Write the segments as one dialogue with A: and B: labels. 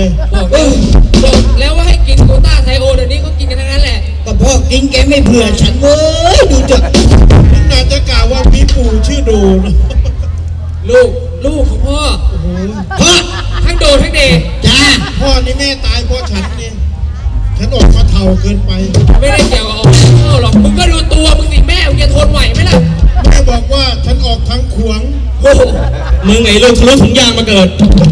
A: เลย
B: บอกแล้วว่าให้กินโกต้าไทโอเดี๋ยวนี้เขากินกันทั้งนั้นแหละ
C: ก็พ่อกินแกไม่เผื่อฉันเว้ยดูจ้ะ
A: น่าจะกล่าวว่ามีปู่ชื่อโดนะ
B: ลูกของพ่อ
C: พ่อ
B: ทั้งโดทั้งเด
C: จ้า
A: พ่อนี่แม่ตายเพราะฉันนี่ฉันออกมาเท่าเกินไป
B: ไม่ได้เกี่ยวกับออกพ่อหรอกมึงก็ดูตัวมึงสิแม่มึงจะทนไหวไหมล่ะ
A: แม่บอกว่าฉันออกทางขวง
D: มึงไอ้ลูกทะลุถุงยางมาเกิด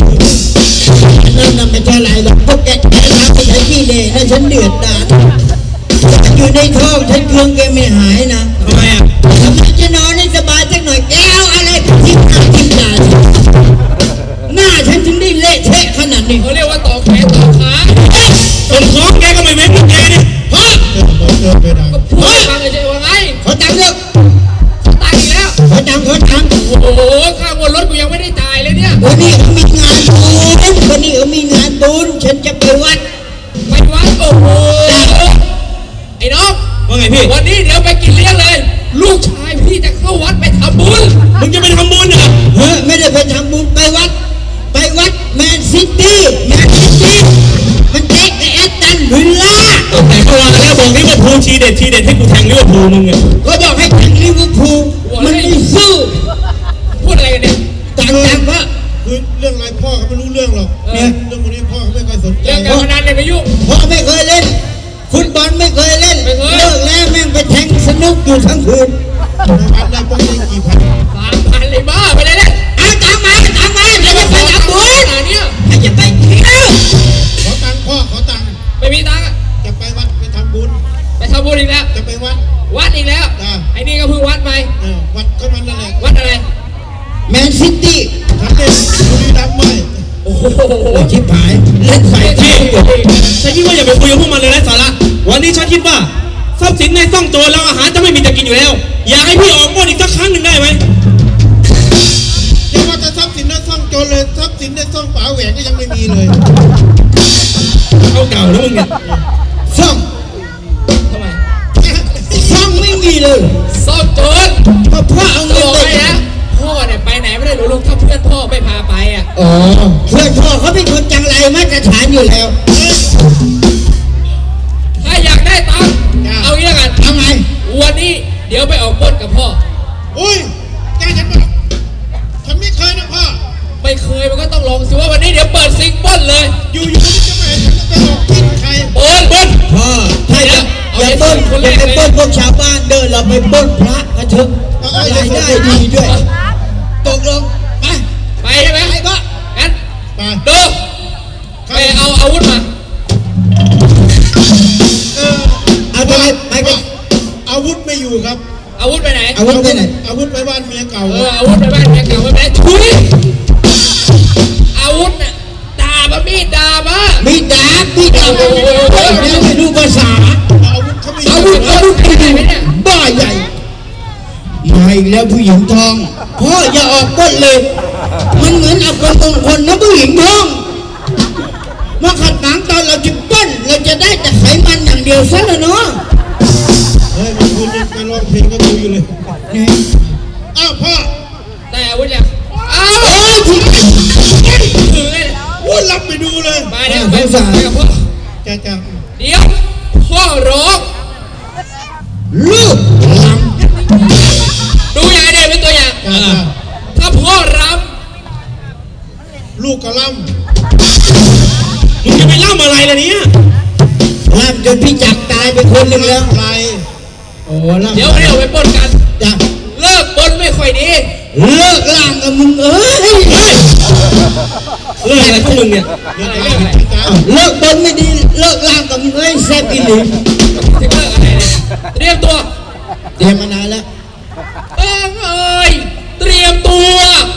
C: นั่นไม่ใช่อะไรหรอกพวกแกทำไปใช้ขี้เล่แล้วฉันเดือดดาลอยู่ในท้องฉันเครื่องแกไม่หายนะ
D: ทำไมอ่ะ
C: ทำไมจะนอนให้สบายสักหน่อยแกเอาอะไรทิ้งหน้าทิ้งตาหน้าฉันถึงได้เละเทะขนาดนี้
B: เขาเรียกว่าต่อแขนต่อขา
D: ต้นท้องแกก็ไม่เว้นแกนี่
C: พ่อ
B: ก็พูดฟังเลยใช่ว่าไง
C: ขอตังค์เถอะ
B: ตายอีกแล้ว
C: ขอตังค์
B: โอ้โหค่างวดรถกูยังไม่ได้จ่ายเลยเนี่ย
C: วันนี้เขามีงานบุญวันนี้เขามีงานบุญฉันจะไปวัด
B: โอ้โหไอ้น้อง
D: ว่าไงพี่
B: วันนี้เดี๋ยวไปกินเลี้ยงเลยลูกชายพี่จะเข้าวัดไปทำบุญ
D: มึงจะไปทำบุญเหรอ
C: ไม่ได้ไปทำบุญไปวัดแมนซิตี้มันเตะกับแอตตันวิลล่า
D: แต่เมื่อวานแล้วบอกลิเวอร์พูลทีเด็ดให้กูแทงลิเวอร์พูลมึงไง
C: ก็บอกให้แทงลิเวอร์พูลมันไม่สู้
B: พูดอะไรกันเนี่ย
C: จังพ่อ
A: คือเรื่องอะไรพ่อเขาไม่รู้เรื่องหรอกเนี่ยเรื่องนี้พ่อเขาไม่เคยสนใจ
B: เรื่องการพนันเนี่ยไม่ยุ่ง
C: พ่อไม่เคยเล่นฟุตบอลไม่เคยเล่นเลิกแล้วแม่งไปแทงสนุกอยู่ทั้งคืน
A: พันได้ป้องได้กี่พัน
B: 3,000เลยบ้าไปเลยเนี่ย
C: เอาตังมาใครจะไปทำบุญใครจะไปเที่ยว
A: ขอตังค์พ่อขอตังค์
B: ไม่มีตังค์
A: จะไปวัดไปทำบุญ
B: อีกแล้ว
A: จะไปวัด
B: อีกแล้วไอ้นี่ก็เพิ่งวัดไป
A: วัดก็มันนั่นแหละ
B: วัดอะไร
C: แมนซิตี้
A: ฉันเล่นบุรีรัมย์ไม่
B: โอ้โห
C: ชิบหายเล่นไฟที่
D: ฉันคิดว่าอย่าไปคุยกับพวกมันเลยนะสาระวันนี้ฉันคิดว่าทรัพย์สินในซ่องโจรแล้วอาหารจะไม่มีจะกินอยู่แล้วอยากให้พี่ออกบ้านอีกสักครั้งหนึ่งได้ไหม
A: อย่าว่าแต่ทรัพย์สินในซ่องโจรเลยทรัพย์สินในซ่องป๋าแหวนก็ยังไม่มีเลย
D: เขาเก่าแล้วมึงเนี่ย
C: ซ่อง
B: ทำไม
C: ซ่องไม่มีเลย
B: ซ่องโจร
C: พ่อเอาเงินไป
B: นะพ่อเนี่ยไปไหนไม่ได้หนูลูกถ้าเพื่อนพ่อไม่พาไปอ่ะ
C: อ๋อเพื่อนพ่อเขาเป็นคนจังไรมาตรฐานอยู่แล้ว
B: ถ้าอยากได้ตังค์เอางี้ละกัน
C: ทำไง
B: วันนี้เดี๋ยวไปออกปล้นกับพ่อ
A: อุ้ยแกฉันไม่เคยนะพ่อ
B: ไม่เคยมันก็ต้องลองสิว่าวันนี้เดี๋ยวเปิดซิงปล้นเลย
A: อยู่ๆนี่จะไม่ฉันจะไปออกกินใคร
B: ปล้น
C: พ่อถ้าอย่าปล้นอย่าไปปล้นพวกชาวบ้านเดินเราไปปล้นพระกันเถอะรายได้ดีด้วยตกลง
B: ไปใช่ไหม
C: ไปก็
B: งั้นดูไปเอาอาวุธมา
C: เอาไปก็
A: อาวุธไม่อยู่ครับ
B: อาวุธไปไหน
C: อาวุธไปไหน
A: อาวุธไปบ้านเมียเก่า
B: อาวุธไปบ้านเมียเก่าไปไหนทุยอาวุธน่ะดาบมีดดาบ
C: ไม่ดูภาษา
A: อาวุธเขาไม่
C: อาวุธไหมเนี่ยบ้าใหญ่ไม่แล้วผู้หญิงทองพ่ออย่าออกก้นเลยมันเหมือนเอาคนมงคลนะผู้หญิงทองมาขัดหนังตอนเราจะก้นเราจะได้แต่ไขมันอย่างเดียวซะแล้วเนาะ
A: เฮ้ยมันคุณไปร้องเพลงก็ดูอยู่เลยอ้าวพ่อ
B: แต่อาวุธยังอ้าว
C: ถือ
B: เลย
A: ว่ารับไปดูเลย
B: ไปเดี๋ยวไปกับพ่อ
A: จ้า
B: เดี๋ยวพ่อร้อง
C: ลูกร
B: ำดูอย่างเดียวเป็นตัวอย่างถ้าพ่อร
A: ำลูกก็รำ
D: มึงจะไปรำอะไรล่ะเนี่ย
C: รำจนพี่จักตายไปคนหนึ่งแล้ว
A: ไร
C: โอ้รำ
B: เดี๋ยวไปปล้นกัน
C: จ้ะ
B: เลิกปล้นไม่ค่อยดี
C: เลิกล่างกับมึงเอ้ย
D: เลิกอะไรพวกมึงเนี่ย
C: เลิกปล้นไม่ดีเลิกล่างกับมึงเอ้ยแซ่บอีหลี
B: จะเลิกอะไรเนี่ยเตรียมตัว
C: มานานแล้ว
B: เตรียมตัว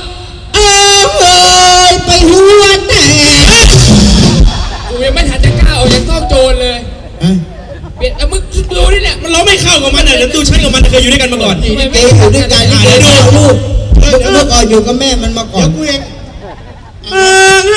C: ไปหัวแตก
B: กูยังไม่ทันจะก้าวออกจากซ่องโจรเลยเปลี่ยนมึงดูนี่เนี่ย
D: มันเราไม่เข้ากับมันเลยแล้วดูฉันกับมันเคยอยู่ด้วยกันมาก่อน
C: เกย์อยู่ด้วยกันนี่ดูลูกเมื่อก่อนอยู่กับแม่มันมาก่อน
A: กูเอง